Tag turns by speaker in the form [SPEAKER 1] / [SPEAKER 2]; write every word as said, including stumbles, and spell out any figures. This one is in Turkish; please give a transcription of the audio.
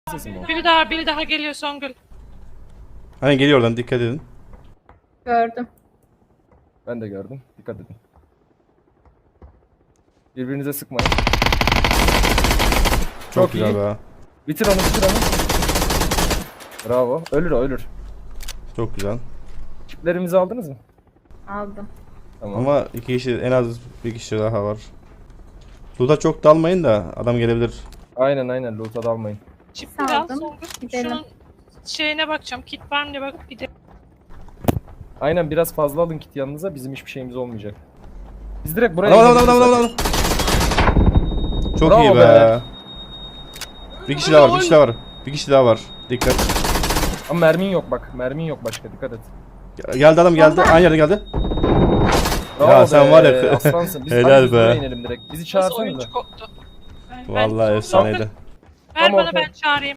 [SPEAKER 1] Sesim o.
[SPEAKER 2] Biri daha, biri daha geliyor Songül.
[SPEAKER 3] Hani geliyor oradan, dikkat edin.
[SPEAKER 4] Gördüm.
[SPEAKER 1] Ben de gördüm. Dikkat edin. Birbirinize sıkmayın.
[SPEAKER 3] Çok,
[SPEAKER 1] Çok
[SPEAKER 3] güzel
[SPEAKER 1] iyi.
[SPEAKER 3] be.
[SPEAKER 1] Bitir onu, bitir onu. Bravo. Ölür o, ölür.
[SPEAKER 3] Çok güzel.
[SPEAKER 1] Çiplerimizi aldınız mı?
[SPEAKER 4] Aldım.
[SPEAKER 1] Tamam.
[SPEAKER 3] Ama iki kişi, en az bir kişi daha var. Loot'a çok dalmayın da adam gelebilir.
[SPEAKER 1] Aynen aynen. Loot'a dalmayın.
[SPEAKER 2] Çipleri al
[SPEAKER 4] Saldım.
[SPEAKER 2] Songül.
[SPEAKER 4] Gidelim.
[SPEAKER 2] Şunun şeyine bakacağım. Kit var mı diye bakıp gidelim.
[SPEAKER 1] Aynen biraz fazla alın kit yanınıza. Bizim hiçbir şeyimiz olmayacak. Biz direkt buraya
[SPEAKER 3] Adam adam
[SPEAKER 1] gidebiliriz
[SPEAKER 3] adam adam
[SPEAKER 1] zaten.
[SPEAKER 3] adam. Çok
[SPEAKER 1] Bravo
[SPEAKER 3] iyi be.
[SPEAKER 1] be.
[SPEAKER 3] Bir kişi daha var, bir kişi daha var. Bir kişi daha var. Dikkat.
[SPEAKER 1] Ama mermin yok bak. Mermin yok başka. Dikkat et.
[SPEAKER 3] Geldi adam geldi. Aynı yerde geldi.
[SPEAKER 1] Bravo
[SPEAKER 3] Ya sen
[SPEAKER 1] be,
[SPEAKER 3] var ya.
[SPEAKER 1] Aslansın. Biz
[SPEAKER 3] Helal
[SPEAKER 1] hadi biz
[SPEAKER 3] be.
[SPEAKER 1] buraya inelim direkt. Bizi
[SPEAKER 2] Nasıl
[SPEAKER 1] çağırsanız da.
[SPEAKER 2] oyuncu koptu. Ben-
[SPEAKER 3] Vallahi
[SPEAKER 2] ben-
[SPEAKER 3] efsaneydi.
[SPEAKER 2] Ver
[SPEAKER 1] Tamam,
[SPEAKER 2] bana
[SPEAKER 1] tamam.
[SPEAKER 2] ben çağırayım.